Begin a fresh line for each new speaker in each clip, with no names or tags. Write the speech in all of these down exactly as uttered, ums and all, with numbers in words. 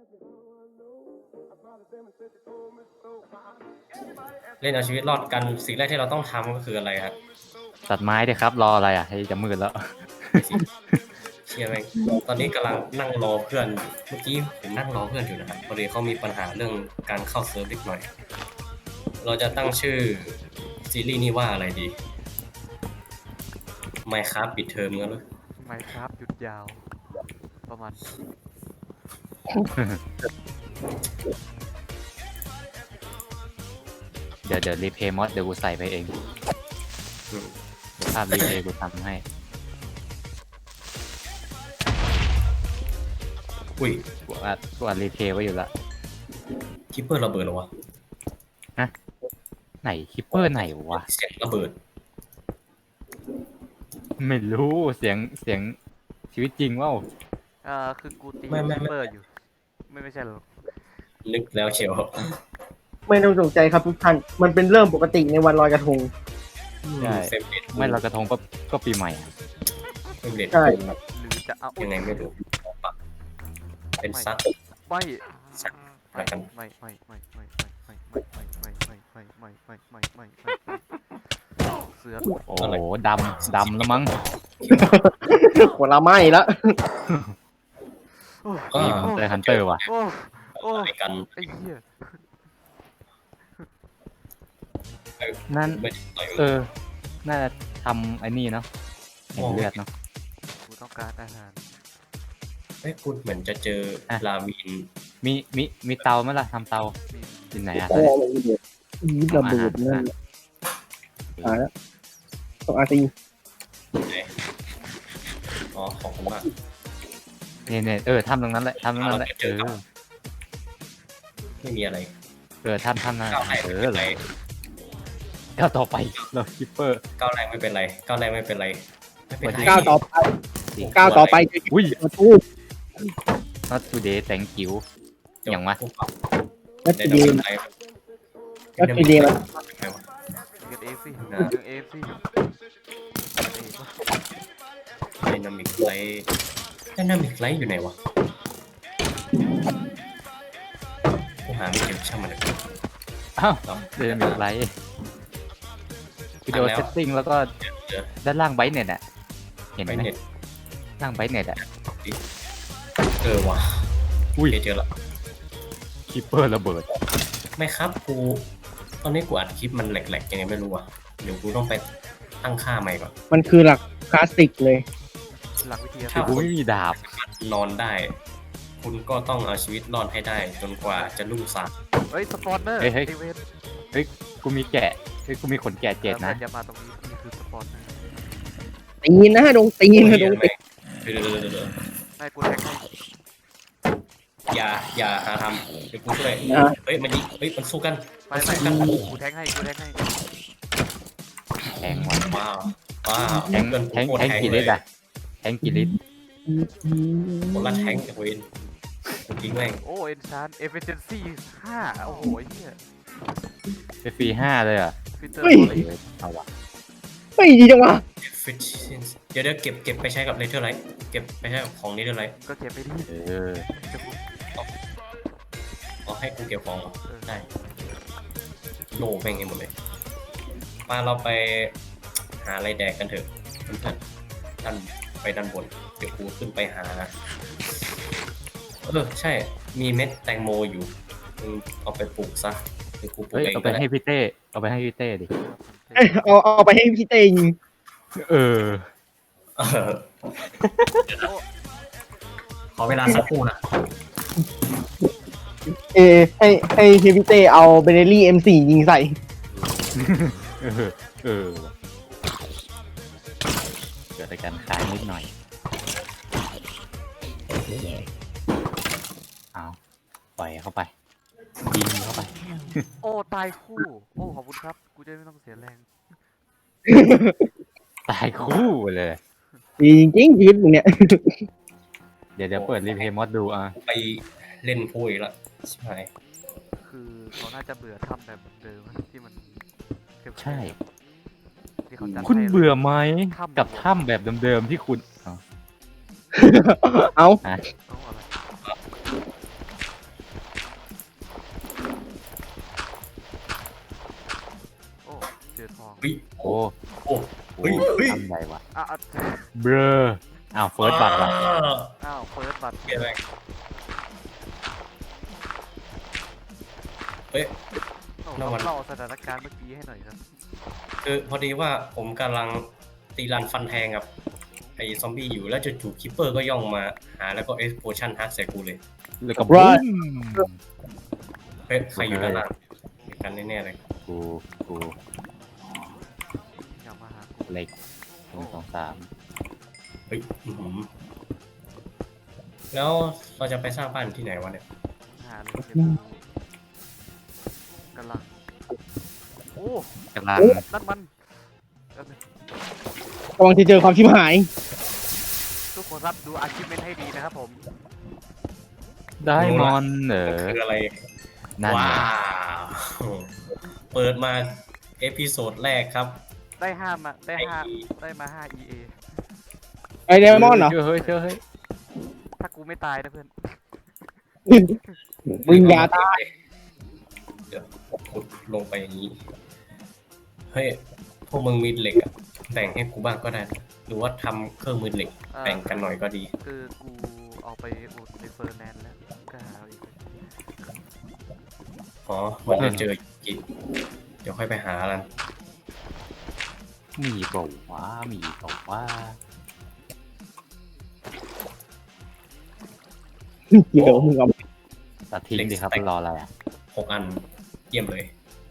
เล่นเอาชีวิตรอดกันสิ่งแรกที่เราต้องทำก็คืออะไรครับ
ตัดไม้ดิครับรออะไรอ่ะให้จะมืดแล้ว
เชียร์ไหมตอนนี้กำลังนั่งรอเพื่อนเมื่อกี้ผมนั่งรอเพื่อนอยู่นะครับพอดีเขามีปัญหาเรื่องการเข้าเซิร์ฟเล็กหน่อยเราจะตั้งชื่อซีรีส์นี้ว่าอะไรดี Minecraft ปิดเทอมงั้นเหรอ
Minecraft หยุดยาวประมาณ
เดี๋ยวเดี๋ยวรีเพย์มอดเดี๋ยวกูใส่ไปเองภาพรีเพย์กูทำให้
อุ้ย
กูอัดกูอัดรีเพย์ไว้อยู่ละ
คิปเปอร์ระเบิดเหรอวะ
ฮะไหนคิปเปอร์ไหนวะ
เสียงระเบิด
ไม่รู้เสียงเสียงชีวิตจริงว่า
อ่าคือกูตีคิปเปอร์อยู่ไม่ไม่ใช่หรอ
นึกแล้วเชียว
ไม่ต้องตกใจครับทุกท่านมันเป็นเรื่องปกติในวันลอยกระทง
ใช่ไม่ลอยกระทงก็ก็ปีใหม่
ใช่
หรือจะเอา
ยังไงไม่รู้เป็นซัด
ไม่
อะไรกัน
ไม่ไม่ไม่ไม่ไม่ไม่ไม่ไม่ไม่ไม่ไม่ไม่ไม่ไม่เสือ
โอ้โหดำดำแล้วมั้ง
หัวเราไหม้แล้ว
นี่มันเจอฮันเตอร์ว่ะ
โอ้โอ้
กัน
ไอ้เหี้ย
นั่นเออน่าจะทำไอ้นี่เนาะเห็นเลือดเนาะ
กูต้องการอาหาร
เฮ้ยคุณเหมือนจะเจอลาวิน
มีมีมีเตาไหมล่ะทำเตาที่ไหนอ่ะ
นี่ระเบิดนั่นหายแล้วต้องอาตี
อ๋อขอบคุณมาก
เนี่ยเนี่ยเออทำตรงนั้นแหละทำตรงนั้นแหละเออ
ไม่มีอะไร
เออทำทำนะเอออะไรก้าวต่อไปเราคิปเปอร์
ก้าวแรกไม่เป็นไรก้าวแรกไม่เป็นไรไม่เป็นไร
ก้าวต่อไปก้าวต่อไป
อุ้ย
ทูบ
not today thank you อย่างวะ
not today not today มัน
เกิดเอฟซี่เกิดเอฟซี่
ไดนามิกไลท์ไดนามิกไลท์อยู่ไหนวะกูหาไม่เจอช่างมันเลย
อ้าวไดนามิกไลท์วิดีโอเซตติ้งแล้วก็ด้านล่างไบต์เน็ตอ่ะเห็นไหมล่างไบต์เน็ตอ่ะ
เออว่ะ
อุ้ย
เจอละ
คิปเปอร์ระเบิด
ไม่ครับกูตอนนี้กูอัดคลิปมันแหลกๆยังไงไม่รู้อ่ะเดี๋ยวกูต้องไปตั้งค่าใหม่ก่อน
มันคือหลักคลาสสิกเลย
หลักวิทยาศาสตร์
ถ้ากูไม่มีดาบ
นอนได้คุณก็ต้องเอาชีวิตรอดให้ได้จนกว่าจะรุ่งสาง
เฮ้ยสปอนเนอร์
เฮ้ยเฮ้ยเฮ้ยกูมีแกะเฮ้ยกูมีขนแกะเจ็ดนะ
อย่ามาตรงนี้นี่คือสปอนเนอร์
ตีนนะดงตีนนะดงตีน
ให้กูแทงให้
อย่าอย่าหาทำเดี๋ยวกูช่วยเฮ้ยมันยิงเฮ้ยมันสู้กัน
ไปไปกันกูแทงให้กูแทงให้
แทงว่ะ
ว้าวว้าว
แทงแทงแทงกี่ลิตรอะแทงกี่ลิตร
คนละแทงจากเวนจริงแม่ง
โอ้เอ็นชานเอฟเฟชั่นซี่ห้าโอ้โหเฮีย
เอฟฟีห้าเลยอ่ะ
เฮ้ย
เอาวะ
ไม่ดีจังวะ
เดี๋ยวเดี๋ยวเก็บเก็บไปใช้กับเลเทอร์ไลท์เก็บไปใช้กับของนี้เท่าไร
ก็เก็บไปดิ
เออ
เอาให้กูเก็บของได้โล่แม่งให้หมดเลยมาเราไปหาอะไรแดกกันเถอะเพื่อนๆด้านไปด้านบนเดี๋ยวกูขึ้นไปหาเออใช่มีเม็ดแตงโมอยู่เอาไปปลูกซะเดี๋ยวกูปลูกเอง
เอาไปให้พี่เต้เอาไปให้พี่เต้ดิ
เอาเอาไปให้พี่เต้ยิง
เออ
ขอเวลาสักครู่นะ
เอให้ให้พี่เต้เอาเบเนลี่ เอ็ม โฟร์ ยิงใส่
เออเออเกิดการค้างนิดหน่อยเอาปล่อยเข้าไปยิงเข้าไป
โอ้ตายคู่โอ้ขอบคุณครับกูจะไม่ต้องเสียแรง
ตายคู่เลย
ดีจริงๆชีวิตมึงเนี่ย
เดี๋ยวเดี๋ยวเปิดรีเพย์มอดดูอ่ะ
ไปเล่นพูดอีกละใช่
คือเขาน่าจะเบื่อทำแบบเดิมที่มัน
ใช่คุณเบื่อไหมกับถ้ำแบบเดิมๆที่คุณ
เอา
เฮ้ย
โอ้
โอ้
โห
เฮ้ยเฮ้ย
ทำไรวะ
อ่ะอ่ะ
เบลออ้าวเฟิร์สบัตรว่ะ
อ้าวเฟิร์สบัตร
เกมแรกเฮ้ย
โอ้
น้ำมัน
เล่าสถานการณ์เมื่อกี้ให้หน่อยครับ
คือพอดีว่าผมกำลังตีรันฟันแทงกับไอ้ซอมบี้อยู่แล้วจู่ๆคิปเปอร์ก็ย่องมาหาแล้วก็เอ็กซ์โพชั่นฮักใส่กูเลย
แล้วก็
Right
บูม
เฮ้ยใครอยู่ด้านล่างมีกันแน่ๆเลย
กูกู
อย่ามาหากู
เหล็กหนึ่งสองสาม
เฮ้ยอื้อหือแล้วเราจะไปสร้างบ้านที่ไหนวะเนี่ย
หาเลยเดี๋ยวกูกำลังโอ้
กำลัง
นั่นมันแป๊บนึง
กำลังจะเจอความชิบหาย
ทุกคนครับดูอาชีพเมนให้ดีนะครับผม
ได้มอนเหรอ
คืออะไร
นั่น
ว้า
ไง
วเปิดมาเอพิโซดแรกครับ
ได้ห้ามาได้
ไอ้
ห้าได้มาห้า อี เอ
ไอเดมอนเหรอ
เชื่อเฮ้ยเชื่อเฮ้ย
ถ้ากูไม่ตายนะเพื่อน
มึงอย่าตาย
เดี๋ยวขุดลงไปอย่างนี้ เฮ้ย พวกมึงมีเหล็กอะแบ่งให้กูบ้างก็ได้ หรือว่าทำเครื่องมือเหล็ก
เอ่อ
แบ่งกันหน่อยก็ดี
คือกูเอาไปอุดในเฟอร์แนนด์แล้วก็หาอีก
อ๋อ มันจะเจออีกเดี๋ยวค่อยไปหากัน
มีเปล่าวะมีเปล่าวะ
เดี๋ยวมึงเอา
ตัดทิ้งดิครับรออะไรอ่ะ
หกอัน เยี่ยมเลย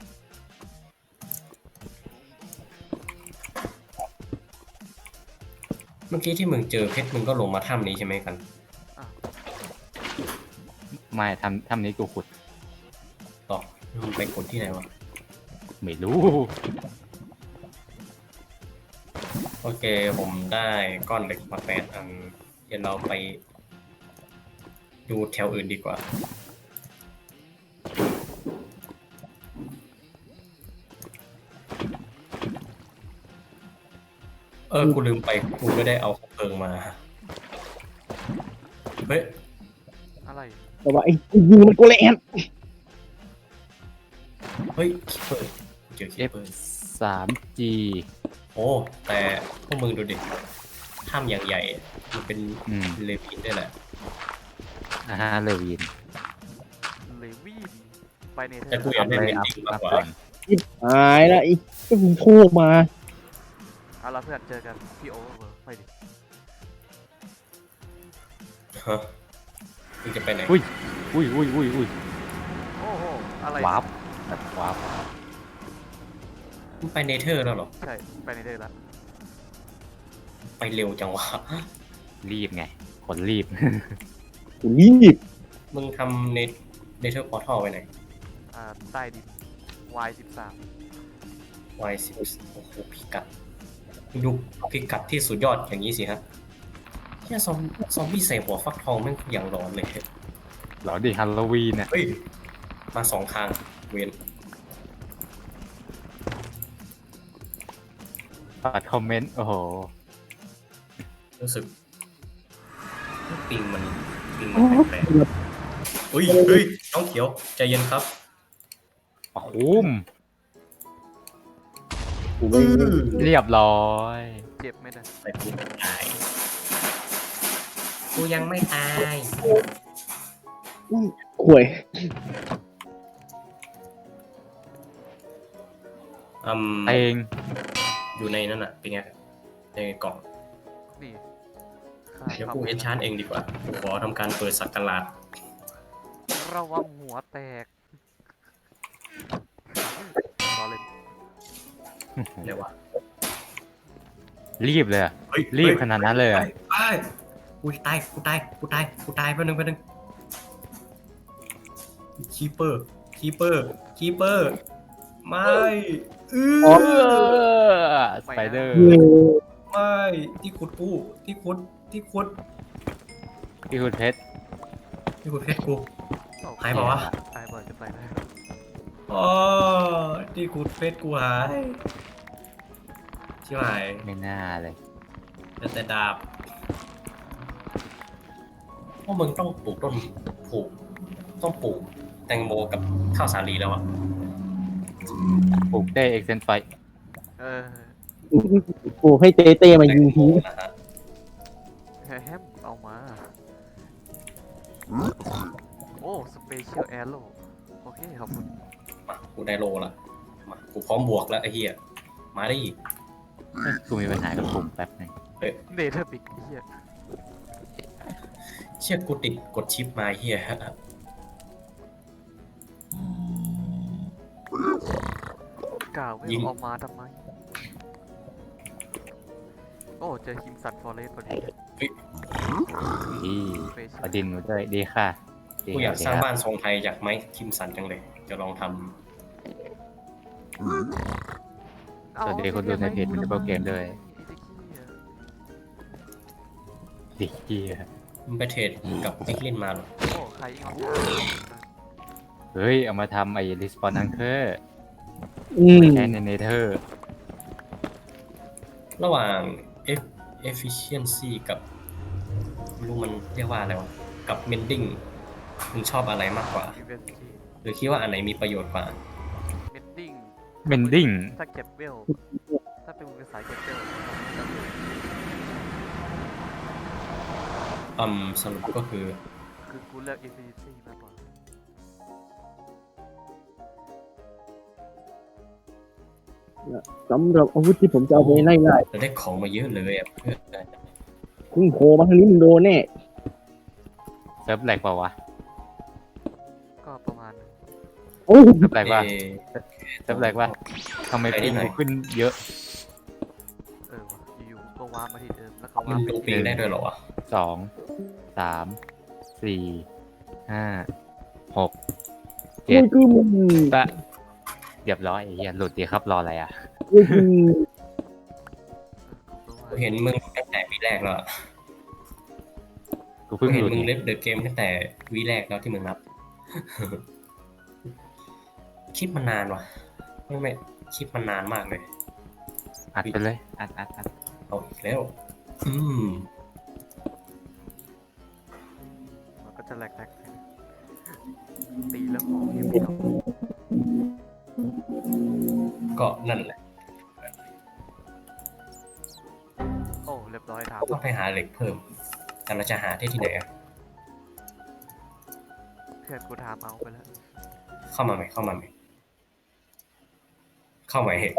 เมื่อกี้ที่มึงเจอเพชรมึงก็ลงมาถ้ำนี้ใช่ไหมกัน
อ้าว
ไม่ทำทำนี้กูขุด
ต่อมึงไปกดที่ไหนวะ
ไม่รู้
โอเค ผมได้ก้อนเหล็กมาแปดอัน เดี๋ยวเราไป ดูแถวอื่นดีกว่า เออ กูลืมไป กูไม่ได้เอาเพลิงมา เฮ้ย
อะไร
แต่ว่าไอ้ยิงมันโกเลน
เฮ้ยคิปเปอร์เจอคิป
F
เปอร์
สาม G
โอ้ แต่พวกมึงดูดิถ้ำอย่างใหญ่ มันเป็น
อืม
เลวินด้วยแหละ
อ่าฮะเลวิน
เลวีนไปเนเธอ
แต่
ร์
กูอยากได้
เล
เม
ย
น
อัพ
ดิ้งมาก
อัพ
กว่า
ก่อน
หายแล้วไอ้ก็มึงโทรมา
เอาละเพื่อนเจอกันที่โอเวอร์เวิร์ไปดิ
ฮะมึงจะไปไหน
อุ้ยอุ้ยอุ้ยอุ้ยอุ้ย
โอ้โหอะไร
วาร์ปแบบวาร์ป
มึงไปเนเธอร์แล้วเหรอ
ใช่ไปเนเธอร์แล้ว
ไปเร็วจังวะ
รีบไง คนรีบ
กูรีบ
มึงทำเนเนเธอร์พอร์ทัลไปไหน
อ่าใต้ดิน วาย สิบสาม
วายสิบโอ้โหพิกัดมึงดูพิกัดที่สุดยอดอย่างนี้สิฮะแค่ซอมซอมบี้ใส่หัวฟักทองแม่งอย่างร้อนเลย
เหรอดิฮัลโลวีนเนี่ย
เฮ้ย มาสองทางเวน
ปัดคอมเมนต์ โอ้โห
รู้สึกปิงมันปิงมันแปลกๆเฮ้ยเฮ้ยน้องเขียวใจเย็นครับ
ปะคุ้ม
กูไม่
เรียบร้อย
เจ็บไหมนะ
แต่กูไม่ตายกูยังไม่ตาย
ข่วย
อืม
เอง
อยู่ในนั่นน่ะเป็นไงในกล่อง
นี่ค่า
เดี๋ยว
ความ
กูเอ็นชานเองดีกว่ากูขอทำการเปิดสักการะ
ระวังหัวแตกรอเล่น
เดี๋ยววะ
รีบเลยอะ
เฮ้ย
รีบขนาดนั้นเลย
ไป
อะ
ไปกูตายกูตายกูตายกูตายแป๊บนึงแป๊บนึงคีเปอร์คีเปอร์คีเปอร์ไม่เอ
เอ
อ
อสไปเดอร์
เออ
ไม่ที่ขุดกูที่ขุดที่ขุด
พี่คุณเพชร
ที่ขุดเพชรกู
โอ้
หายเปล่าวะ
ตายบ่อยจะไปแล้ว
อ๋อที่ขุดเพชรกูหายชิบหาย
ไม่น่าเลย
เหลือแต่ดาบพวกมึงต้องปลูกต้นปลูกต้องปลูกแตงโมกับข้าวสาลีแล้วอะ
ปลูกได้เอ็กเซนไฟ
เออ
โอ้ให้เต้เต้มายิงที
นะฮะ
แฮมเอามา โอ้สเปเชียลแอโร่โอเคขอบคุณ
มากูได้โลละมากูพร้อมบวกแล้วไอ้เหี้ยมาได้อีก
เอ้ยกูมีปัญหากับปุ่มแป๊บหนึง
เนเธอร์ปิกไอ้เหี้ย
เชี่ยกูติดกดชิปมาไอ้เหี้ย
กล่าวไม่
ยิง
เอามาทำไม โอ้เจอคิมสันฟอเรสพอดี
อี
สเปเชีย
ป
ล
ระดินมาด้วยดีค่ะดี
กูอยาก
ดี
สร้าง
ครับ
บ้านทรงไทยจากไม้คิมสันจังเลย จะลองท
สวัสดีคนดูในเพจมินเบิลเกมด้วยดีเกีย
ำมึงไปเทรดกับพิกลินมาเหรอ
โอ้ใครเอา
เฮ้ย เอามาทำไอ้รีสปอนอังเคอร์
อืม
แอนในเนเธอร์
ระหว่าง F efficiency กับไม่รู้มันเรียกว่าอะไรวะกับ mending มึงชอบอะไรมากกว่า
ยูเวนตี้
หรือคิดว่าอันไหนมีประโยชน์กว่า
เมนดิ้ง
เมนดิ้ง
ถ้าเก็บเวล ถ้าเป็นมือสายเก็บเวล
อืมสรุปก็คือ
คือกูเลือก Infinity มากกว่า
สำหรับอาวุธที่ผมจะเอาไปไล่ไล่
เราได้ของมาเยอะเลยอ่ะเพื่อน
คุณโผล่มาทางนี้มึงโดนแน่
เซิร์ฟแหลกเปล่าวะ
ก็ประมาณนึง
โอ้
เซิร์ฟแหลกว่า
เอ่อ
เซิร์ฟแหลกว่าทำไม
ไปนิ
ปิ
ด
ง
หน่อย
กูขึ้นเยอะ
เออวะอยู่ๆก็ว้าร์ปมาที่เดิม แล้วก็
มั
ว้าน ร์ปไป
ดูปีได้ด้วยเหรอวะ
สองสามสี่ห้าหก
โอ้ยคือมึง
ปะเรียบร้อยไอ้เหี้ยหลุดดีครับรออะไรอ่ะ
โอ้ยคือ
กูเห็นมึงตั้งแต่วีแรกแล้วอะ
กู
กู
เพิ่ง
เห็
ห
น
ลุด
มึง
ไง
เล่นเดอะเกมตั้งแต่วีแรกแล้วที่มึงนับ คลิปมันนานว่ะ ไม่ไม่คลิปมันนานมากเลย
อัดไปเลยอัดอัดอัด
เอาอีกแล้ว อืม
มันก็จะแหลกๆตีแล้วของยังไม่เอา
ก็นั่นแหละ
โอ้เรียบร้อยถาม
ต้องไปหาเหล็กเพิ่ม แต่เราจะหาที่ที่ไหนอะ
เพื่อนกูถามเอาไปแล้ว
เข้ามาไหมเข้ามาไหมเข้ามาเห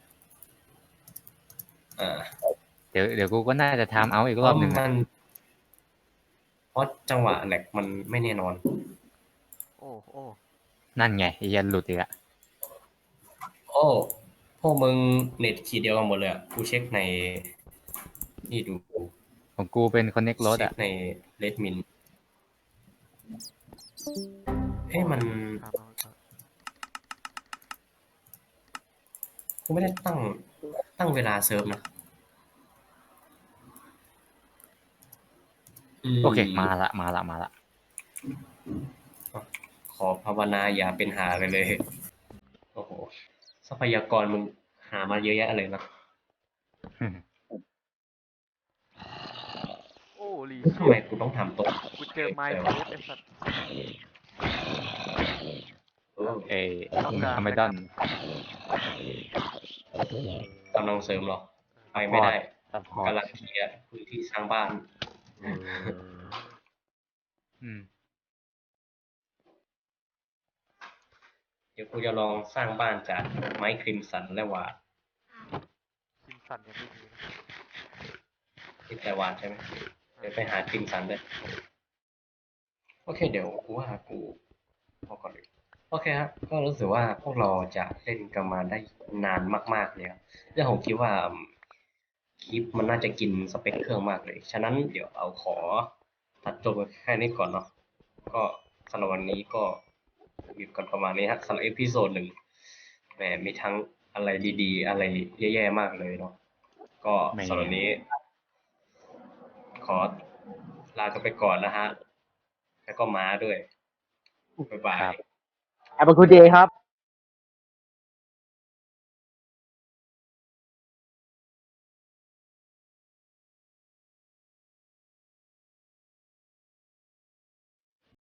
อ่า
เดี๋ยวเดี๋ยวกูก็น่าจะทำเอาอีกรอบหนึ่ง
เพ
อะ
ราะมันเพราะจังหวะแหลกมันไม่แน่นอน
โอ้โอ้
นั่นไงไอ้เหี้ยันหลุดอีกอะ
โอ้พวกมึงเน็ตขีดเดียวกันหมดเลยอ่ะ กูเช็คใน นี่ดู
ของกูเป็นคอนเน็กรถ
เช็
อะ
คในเลดมินเฮ้ยมัน
ถามเอาเอา
กูไม่ได้ตั้งตั้งเวลาเซิร์ฟนะม
โอเคมาละมาละมาละ
ขอภาวนาอย่าเป็นหาเลยเลย โอ้โห ทรัพยากรมึงหามาเยอะแยะเลยนะ
โอ้ลี
ทำไมกูต้องทำตัว
กูเจอไม้เทสไอ้สัตว์
เออ
เอ้ย
ต้องการ
อเมดอน
กำลังเสริมหรอ ไปไม่ได้
ซัพพอร์ต
กำลังเคลียร์พื้นที่สร้างบ้าน
อืม
เดี๋ยวกูจะลองสร้างบ้านจากไม้คริมสันและวาด
คิมสันยังไม่มีนะ
ที่แต่วาดใช่ไหมเดี๋ยวไปหาคริมสันเลยโอเค เดี๋ยวกูว่ากูพอก่อนเลยโอเคครับ ก็รู้สึกว่าพวกเราจะเล่นกันมาได้นานมากๆเลยครับแล้วผมคิดว่าอืมคลิปมันน่าจะกินสเปคเครื่องมากเลย ฉะนั้นเดี๋ยวเอาขอตัดจบแค่นี้ก่อนเนาะ ก็สำหรับวันนี้ก็มีกันประมาณนี้ฮะสำหรับเอพิโซดหนึ่งแหมมีทั้งอะไรดีๆ อะไรแย่ๆมากเลยเนาะ ก็
ไม่
สำหรับวันนี้ ขอลากันไปก่อนนะฮะ แล้วก็ม้าด้วย บ๊ายบาย
ครับ
แอปเปิลคูเดย์ครับ